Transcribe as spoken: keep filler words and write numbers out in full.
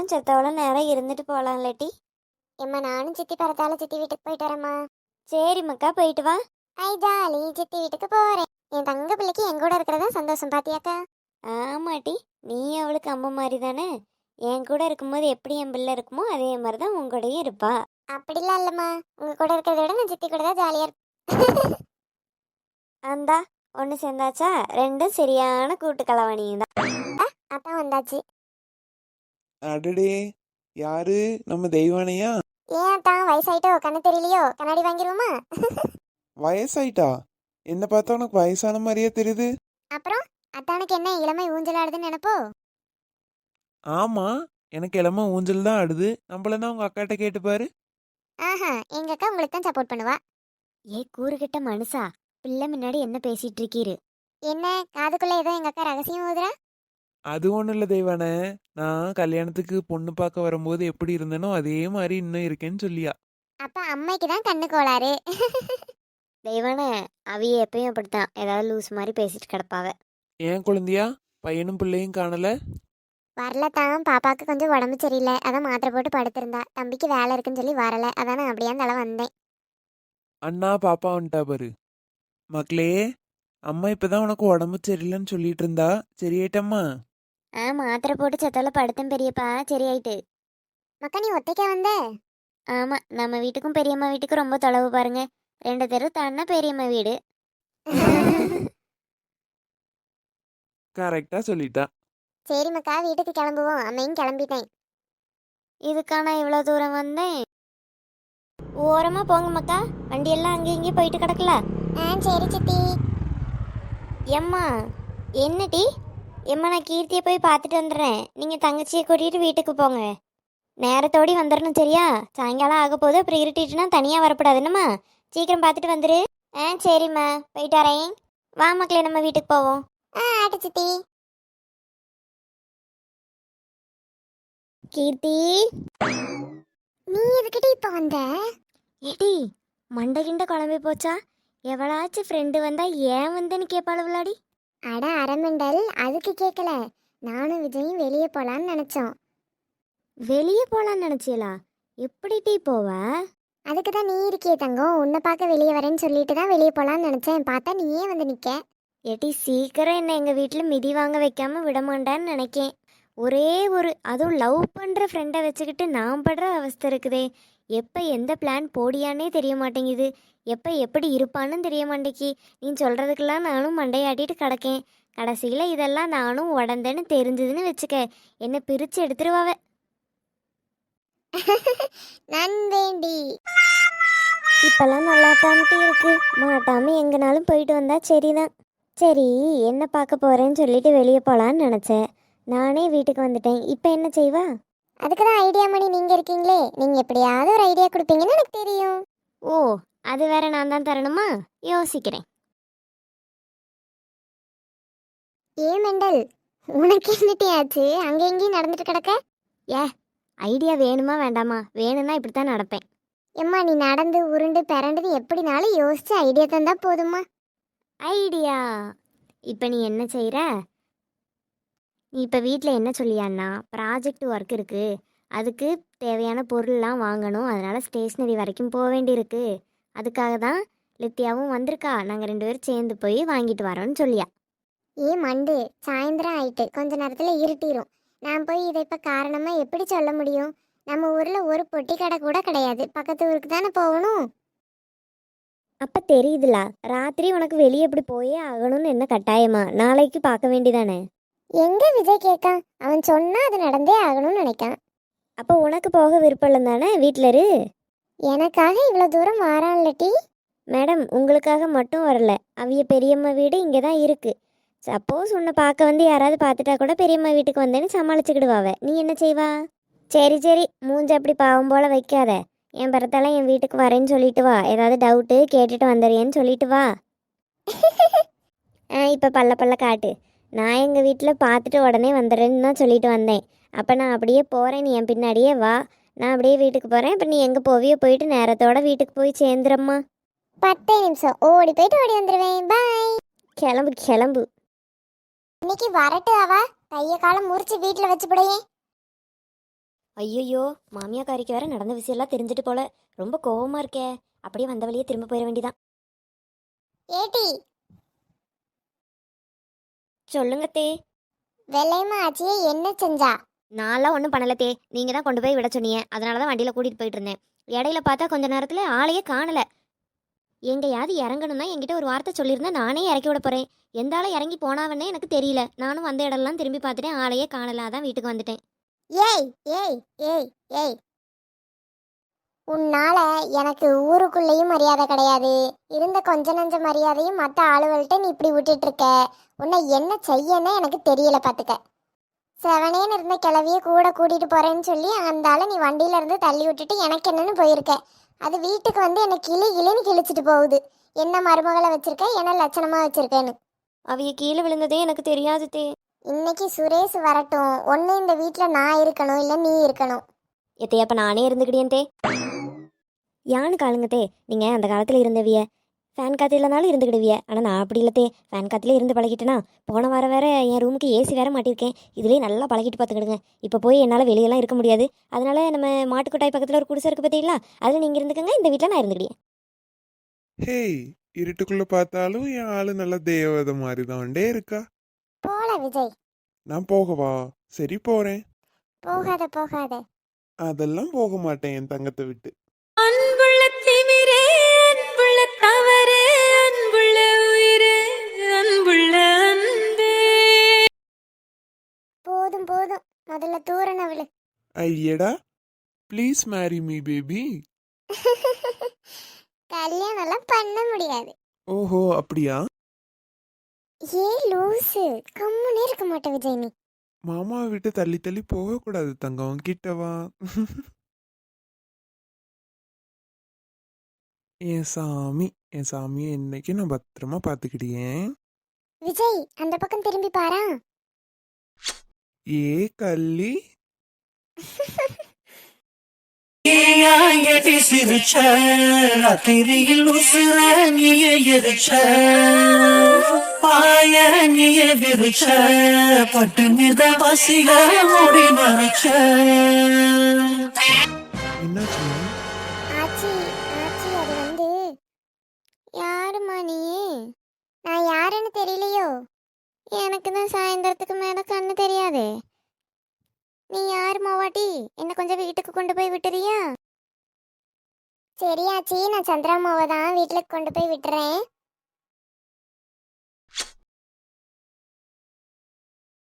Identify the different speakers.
Speaker 1: கொஞ்சம் செத்தவள நேரம் இருந்துட்டு போகலாம் இல்லாட்டி.
Speaker 2: எம்மா நானும் சித்தி பரத்தால சித்தி வீட்டுக்கு போயிட்டு வரேம்மா.
Speaker 1: சரி மக்கா, போயிட்டு வா.
Speaker 2: ஐ ஜாலி, சித்தி வீட்டுக்கு போறேன். என் தங்க பிள்ளைக்கு என் கூட இருக்கிறதா சந்தோஷம் பாத்தியாக்கா.
Speaker 1: ஆமாட்டி, நீ அவளுக்கு அம்மா மாதிரி தானே. என் கூட இருக்கும்போது எப்படி என் பிள்ளை இருக்குமோ அதே மாதிரி தான் உங்கூடையும் இருப்பா.
Speaker 2: அப்படிலாம் இல்லம்மா, உங்க கூட இருக்கிறத விட நான் சித்தி கூட தான் ஜாலியா இருப்பேன்.
Speaker 1: அந்தா ஒன்று சேர்ந்தாச்சா, ரெண்டும் சரியான கூட்டு கலவணியும் தான்.
Speaker 2: அதான் வந்தாச்சு.
Speaker 3: அடடே, யாரு? நம்ம தெய்வானையா?
Speaker 2: ஏன் தான் வயசாயிட்டோ, கண்ணு தெரியலையோ, கண்ணாடி வாங்கிருவோமா?
Speaker 3: வயசாயிட்டா? என்ன பார்த்தா உனக்கு வயசான மாதிரியே தெரியுது.
Speaker 2: அப்புறம் அத்தானுக்கு என்ன இளமை ஊஞ்சலாடுதுன்னு நினைப்போ?
Speaker 3: ஆமா, எனக்கு இளம ஊஞ்சல் தான் ஆடுது. நம்மளதான் உங்க அக்காட்ட கேட்டு பாரு.
Speaker 2: ஆஹா, எங்க அக்கா உங்களுக்கு தான் சப்போர்ட் பண்ணுவா.
Speaker 1: ஏ கூறுகிட்ட மனுஷா, பிள்ளை முன்னாடி என்ன பேசிட்டு இருக்கீரு?
Speaker 2: என்ன காதுக்குள்ள ஏதோ எங்க அக்கா ரகசியம் ஊதுறா?
Speaker 3: அது ஒன்றும் இல்லை தெய்வானே, நான் கல்யாணத்துக்கு பொண்ணு பார்க்க வரும்போது எப்படி இருந்தேனோ அதே மாதிரி இன்னும் இருக்கேன்னு சொல்லியா.
Speaker 2: அப்ப அம்மைக்கு தான் கண்ணு கோளாறு.
Speaker 1: தெய்வானே, அவிய எப்பயும் அப்படித்தான் ஏதாவது லூஸ் மாதிரி பேசிட்டு கிடப்பாவ.
Speaker 3: ஏன் குழந்தையா? பையனும் பிள்ளையும் காணல.
Speaker 2: வரல தான், பாப்பாக்கு கொஞ்சம் உடம்பு சரியில்லை, அதான் மாத்திரை போட்டு படுத்திருந்தா. தம்பிக்கு வேலை இருக்குன்னு சொல்லி வரல, அதான் நான் அப்படியே தலை வந்தேன்.
Speaker 3: அண்ணா பாப்பா வந்துட்டா பாரு. மக்களே, அம்மா இப்பதான் உனக்கு உடம்பு சரியில்லைன்னு சொல்லிட்டு இருந்தா, சரியாயிட்டம்மா?
Speaker 1: ஆ, மாத்திரை போட்டு செத்தவள படுத்தேன் பெரியப்பா, சரியாயிட்டு.
Speaker 2: மக்கா நீ ஒத்தைக்கா வந்த?
Speaker 1: ஆமா, நம்ம வீட்டுக்கும் பெரியம்மா வீட்டுக்கும் ரொம்ப தொலைவு பாருங்க. ரெண்டு தெரு தாண்டினா பெரியம்மா வீடு.
Speaker 3: கரெக்டா சொல்லிட்டா.
Speaker 2: சரி மக்கா, வீட்டுக்கு கிளம்புவோம். அம்மையும் கிளம்பிட்டேன்.
Speaker 1: இதுக்கான இவ்வளோ தூரம் வந்தேன். ஓரமா போங்க மக்கா, வண்டியெல்லாம் அங்கே இங்கேயும் போயிட்டு கிடக்கல.
Speaker 2: ஆ சரி சித்தி.
Speaker 1: எம்மா என்னடி? எம்மா நான் கீர்த்தியை போய் பார்த்துட்டு வந்துடுறேன். நீங்கள் தங்கச்சியை கூட்டிகிட்டு வீட்டுக்கு போங்க. நேரத்தோடி வந்துடணும் சரியா? சாயங்காலம் ஆக போது, அப்புறம் இருட்டிட்டுனா தனியாக வரக்கூடாது என்னம்மா. சீக்கிரம் பார்த்துட்டு வந்துரு. ஆ சரிம்மா, போயிட்டு வரேன். வா மக்களே, நம்ம வீட்டுக்கு போவோம்.
Speaker 2: ஆ ஆட்டு சித்தி.
Speaker 1: கீர்த்தி,
Speaker 2: நீ எதுக்கிட்ட இப்ப வந்த?
Speaker 1: ஏடி மண்டை கிண்ட குழம்பி போச்சா? எவளாச்சும் ஃப்ரெண்டு வந்தா ஏன் வந்தேன்னு கேட்பாள் விளாடி.
Speaker 2: அட அரமண்டல், அதுக்கு கேட்கல. நானும் விஜயும் வெளியே போலான்னு நினைச்சோம்.
Speaker 1: வெளியே போகலான்னு நினச்சியலா? எப்படி டீ போவ?
Speaker 2: அதுக்கு தான் நீ இருக்கியே தங்கம், உன்னை பார்க்க வெளியே வரேன்னு சொல்லிட்டு தான் வெளியே போலான்னு நினைச்சேன். பார்த்தா நீயே வந்து நிக்க.
Speaker 1: ஏட்டி சீக்கிரம் என்ன எங்கள் வீட்டில் மிதி வாங்க வைக்காம விடமாட்டான்னு நினைக்கேன். ஒரே ஒரு, அதுவும் லவ் பண்ணுற ஃப்ரெண்டை வச்சுக்கிட்டு நான் படுற அவஸ்தை இருக்குதே. எப்போ எந்த பிளான் போடியானே தெரிய மாட்டேங்குது. எப்போ எப்படி இருப்பான்னு தெரிய மாட்டேங்கி. நீ சொல்கிறதுக்கெல்லாம் நானும் மண்டையாட்டிட்டு கிடக்கேன். கடைசியில் இதெல்லாம் நானும் உடந்தேன்னு தெரிஞ்சதுன்னு வச்சுக்க, என்னை பிரித்து எடுத்துருவாவ.
Speaker 2: நன்வேண்டி.
Speaker 1: இப்பெல்லாம் நல்லா தான்ட்டு இருக்கு. மாட்டாமல் எங்கனாலும் போயிட்டு வந்தா சரிதான். சரி, என்ன பார்க்க போகிறேன்னு சொல்லிட்டு வெளியே போகலான்னு நினச்சேன். நானே வீட்டுக்கு வந்துட்டேன். இப்போ என்ன செய்வா?
Speaker 2: அதுக்கு தான் ஐடியா மணி நீங்கள் இருக்கீங்களே, நீங்கள் எப்படியாவது ஒரு ஐடியா கொடுப்பீங்கன்னு எனக்கு தெரியும்.
Speaker 1: ஓ, அது வேற நான் தான் தரணுமா? யோசிக்கிறேன்.
Speaker 2: ஏ மெண்டல், உனக்கு என்னட்டி ஆச்சு? அங்கே எங்கேயும் நடந்துட்டு கிடக்க?
Speaker 1: ஏ, ஐடியா வேணுமா வேண்டாமா? வேணும்னா இப்படி தான் நடப்பேன்.
Speaker 2: எம்மா நீ நடந்து உருண்டு பிறண்டுன்னு எப்படினாலும் யோசிச்சு ஐடியா தந்தா போதுமா?
Speaker 1: ஐடியா? இப்போ நீ என்ன செய்கிற? நீ இப்போ வீட்டில் என்ன சொல்லியான்னா, ப்ராஜெக்ட் ஒர்க் இருக்குது, அதுக்கு தேவையான பொருள்லாம் வாங்கணும், அதனால் ஸ்டேஷ்னரி வரைக்கும் போக வேண்டியிருக்கு. அதுக்காக தான் லித்தியாவும் வந்திருக்கா. நாங்கள் ரெண்டு பேரும் சேர்ந்து போய் வாங்கிட்டு வரோன்னு சொல்லியா.
Speaker 2: ஏ மண்டு, சாயந்தரம் ஆயிட்டு, கொஞ்ச நேரத்தில் இருட்டிடும். நான் போய் இதை இப்போ காரணமாக எப்படி சொல்ல முடியும்? நம்ம ஊரில் ஒரு பொட்டி கடை கூட கிடையாது. பக்கத்து ஊருக்கு தானே போகணும்.
Speaker 1: அப்போ தெரியுதுல, ராத்திரி உனக்கு வெளியே எப்படி போயே ஆகணும்னு என்ன கட்டாயமா? நாளைக்கு பார்க்க வேண்டிதானே?
Speaker 2: எங்க விஜய் கேட்கான்? அவன் சொன்னா அது நடந்தே ஆகணும்னு நினைக்கான்.
Speaker 1: அப்போ உனக்கு போக விருப்பம் இல்லை தானே? வீட்டில் இரு.
Speaker 2: எனக்காக இவ்வளோ தூரம் வாரான்லட்டி?
Speaker 1: மேடம், உங்களுக்காக மட்டும் வரல. அவிய பெரியம்மா வீடு இங்கே தான் இருக்குது. சப்போஸ் உன்னை பார்க்க வந்து யாராவது பார்த்துட்டா கூட பெரியம்மா வீட்டுக்கு வந்தேன்னு சமாளிச்சுக்கிடுவாவ. நீ என்ன செய்வா? சரி சரி, மூஞ்ச அப்படி பாவம் போல் வைக்காத. என் பிறத்தால என் வீட்டுக்கு வரேன்னு சொல்லிட்டு வா. ஏதாவது டவுட்டு கேட்டுட்டு வந்துடுறேன்னு சொல்லிட்டு வா. ஆ, இப்போ பல்ல பல்ல காட்டு. நான் எங்கள் வீட்டில் பார்த்துட்டு உடனே வந்துடுறேன்னு தான் சொல்லிட்டு வந்தேன். அப்போ நான் அப்படியே போகிறேன், நீ என் பின்னாடியே வா. நான் அப்படியே வீட்டுக்கு போகிறேன். இப்போ நீ எங்கே போவியோ போயிட்டு நேரத்தோட வீட்டுக்கு போய் சேர்ந்துறம்மா.
Speaker 2: பத்து நிமிஷம் ஓடி போயிட்டு ஓடி வந்துடுவேன். பாய்.
Speaker 1: கிளம்பு கிளம்பு.
Speaker 2: இன்னைக்கு வரட்டு அவ கையை காலம் முறிச்சு வீட்டில் வச்சுப்படையே.
Speaker 1: ஐயோ, மாமியாக்காரிக்கு வேற நடந்த விஷயம்லாம் தெரிஞ்சுட்டு போல. ரொம்ப கோவமா இருக்கே. அப்படியே வந்த வழியே திரும்ப போயிட வேண்டியதான்.
Speaker 2: ஏட்டி
Speaker 1: சொல்லுங்க தே.
Speaker 2: வெள்ளையம்மா ஆச்சியே என்ன செஞ்சா?
Speaker 1: நான்லாம் ஒன்றும் பண்ணல தே. நீங்கள் தான் கொண்டு போய் விட சொன்னீங்க. அதனால தான் வண்டியில் கூட்டிகிட்டு போயிட்டு இருந்தேன். இடையில பார்த்தா கொஞ்ச நேரத்தில் ஆளையே காணலை. எங்கேயாவது இறங்கணும்னா என்கிட்ட ஒரு வார்த்தை சொல்லியிருந்தா நானே இறக்கி விட போகிறேன். எந்த ஆளை இறங்கி போனாவன்னே எனக்கு தெரியல. நானும் வந்த இடம்லாம் திரும்பி பார்த்துட்டேன். ஆளையே காணல. அதான் வீட்டுக்கு வந்துட்டேன்.
Speaker 2: ஏய் ஏய் ஏய் ஏய் உன்னால எனக்கு ஊருக்குள்ளேயும் மரியாதை கிடையாது. இருந்த கொஞ்ச நஞ்ச மரியாதையும் மற்ற ஆளுகள்கிட்ட நீ இப்படி விட்டுட்டு இருக்க. உன்னை என்ன செய்யன்னு எனக்கு தெரியல பார்த்துக்க. செவனேன்னு இருந்த கிளவிய கூட கூட்டிட்டு போறேன்னு சொல்லி அந்த ஆளை நீ வண்டியில இருந்து தள்ளி விட்டுட்டு எனக்கு என்னன்னு போயிருக்க. அது வீட்டுக்கு வந்து என்னை கிளி கிளின்னு கிழிச்சிட்டு போகுது. என்ன மருமகளை வச்சிருக்க, என்ன லட்சணமா வச்சிருக்கேன்னு.
Speaker 1: அவைய கீழே விழுந்ததே எனக்கு தெரியாது தே.
Speaker 2: இன்னைக்கு சுரேஷ் வரட்டும். ஒன்று இந்த வீட்டில் நான் இருக்கணும், இல்லை நீ இருக்கணும்.
Speaker 1: எத்தையப்ப நானே இருந்துக்கிட்டேன் தே. யானு காலுங்க தே. நீங்கள் அந்த காலத்தில் இருந்தவிய ஃபேன் காற்று இல்லைனாலும் இருந்துக்கிடுவிய. ஆனால் நான் அப்படி இல்லை தே. ஃபேன் காற்றுலேயே இருந்து பழகிட்டேனா. போன வாரம் வேற என் ரூமுக்கு ஏசி வேற மாட்டியிருக்கேன். இதுலேயே நல்லா பழகிட்டு பார்த்துக்கிடுங்க. இப்போ போய் என்னால் வெளியெல்லாம் இருக்க முடியாது. அதனால நம்ம மாட்டுக்கொட்டாய் பக்கத்தில் ஒரு குடிசை இருக்குது பார்த்தீங்களா, அதில் நீங்கள் இருந்துக்கங்க. இந்த வீட்டில் நான் இருந்துக்கிட்டேன்.
Speaker 3: ஹேய், இருட்டுக்குள்ள பார்த்தாலும் என் ஆளு நல்ல தேவதை மாதிரி தான்டே இருக்கா.
Speaker 2: போல விஜய்.
Speaker 3: நான் போகவா? சரி போறேன்.
Speaker 2: போகாத போகாத.
Speaker 3: அதெல்லாம் போக மாட்டேன் என் தங்கத்தை விட்டு.
Speaker 4: அன்புள்ள திமிரே, அன்புள்ள தவறே, அன்புள்ள உயிரே, அன்புள்ள அன்பே.
Speaker 2: போதும் போதும், முதல்ல தூரணவளு.
Speaker 3: ஐயடா, ப்ளீஸ் மேரி மீ பேபி.
Speaker 2: கல்யாணம்லாம் பண்ண முடியாது.
Speaker 3: ஓஹோ, அப்படியா?
Speaker 2: ஏ லூசு, கம்முனே இருக்க மாட்டே விஜய் நீ.
Speaker 3: மாமாவை விட்டு தள்ளி தள்ளி போகக்கூடாது தங்கம், கிட்டவா. என் சாமி, என் சாமியை என்னைக்கு நான் பத்திரமா பார்த்துக்கிட்டேன்.
Speaker 2: விஜய் அந்த பக்கம் திரும்பி பாரா.
Speaker 3: ஏ கள்ளி.
Speaker 5: ஏயாயடி சிரிச்ச ராத்திரியில் உசுர நீய எரிச்ச பாய நீய விரிச்ச பட்டு மித பசிக மூடி மறைச்ச.
Speaker 3: என்னாச்சு?
Speaker 2: ஆச்சி ஆச்சி, அது வந்து யாருமா நீ? நான் யாருன்னு தெரியலையோ? எனக்கு தான் சாயந்தரத்துக்கு மேல கண்ணு தெரியாதே. நீ யாரு மாவாட்டி? என்ன கொஞ்சம் வீட்டுக்கு கொண்டு போய் விட்டுறியா? சரியாச்சி, நான் சந்திராமாவை தான் வீட்டுக்கு கொண்டு போய் விட்டுறேன்.